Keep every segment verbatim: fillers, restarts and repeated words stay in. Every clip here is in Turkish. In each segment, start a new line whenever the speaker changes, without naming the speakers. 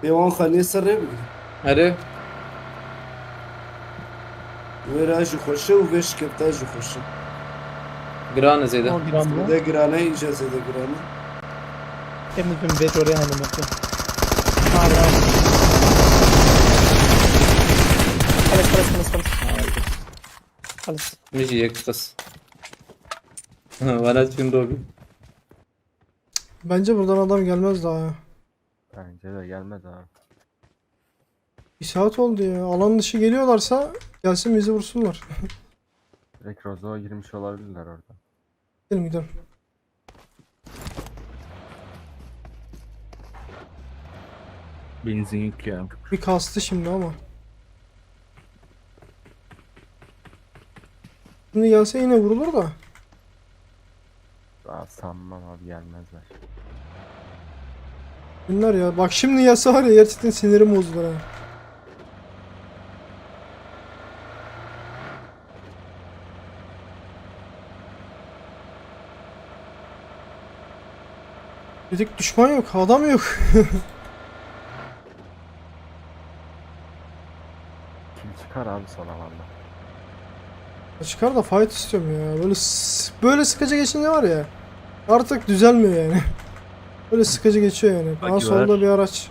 پیوان خانی سر بگیری
آره
و راجو خوشه و وش کفته جو خوشه
گرانه زیده
O giren bu.
زده گرانه اینجا زده گرانه
Temiz bir bet oraya hanım bakıyor. Abi abi. خلاص خلاص خلاص خلاص. خلاص.
میشه یک قص ولد فين روبي
Bence buradan adam gelmez daha ya.
Bence de gelmez abi.
Bir saat oldu ya. Alan dışı geliyorlarsa gelsin bizi vursunlar.
Direkt Rozo'ya girmiş olabilirler orada.
Gidelim gidelim.
Benzin yok ya.
Bir kastı şimdi ama. Şimdi gelse yine vurulur da.
Daha sanmam abi, gelmezler.
Bunlar ya. Bak şimdi gelse var ya gerçekten sinirim bozulur ha. Dedik düşman yok, adam yok.
Kim çıkar abi son alanda?
Çıkar da fight istiyorum ya. Böyle s- böyle sıkıcı geçince var ya. Artık düzelmiyor yani. Böyle sıkıcı geçiyor yani. Daha
Bagi
solda
var.
bir araç.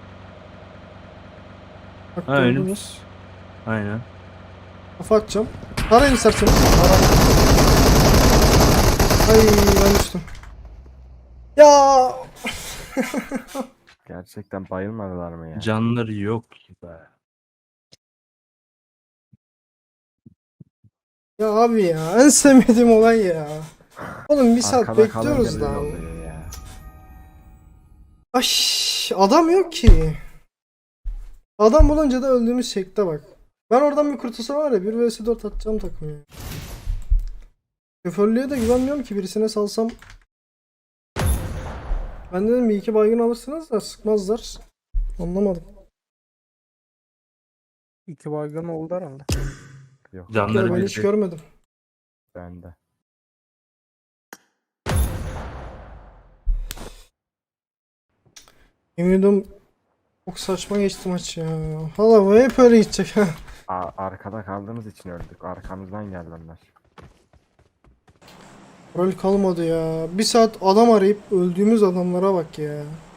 Bak
Ha, önüm.
gördünüz.
Aynen.
Kafa atacağım. Tarayın isterseniz. Ay ben düştüm. Ya
Gerçekten bayılmadılar mı ya?
Canları yok be.
ya abi ya en sevmediğim olay ya. Oğlum bir saat
Arkada
bekliyoruz
kalınca böyle
lan.
oluyor ya.
Ay adam yok ki. Adam bulunca da öldüğümüz şekle bak. Ben oradan bir kurtulsa var ya bir vs dört atacağım takım ya. Şoförlüğe de güvenmiyorum ki birisine salsam. Ben dedim bir iki baygın alırsınız da sıkmazlar. Anlamadım.
İki baygın oldu herhalde.
Yok
Ya
Canları
ben
bir
hiç görmedim.
bende.
Yemin ediyorum çok saçma geçti maç ya. Hala bu hep öyle gidecek ha.
A arkada kaldığımız için öldük. Arkamızdan geldi onlar.
Rol kalmadı ya. Bir saat adam arayıp öldüğümüz adamlara bak ya.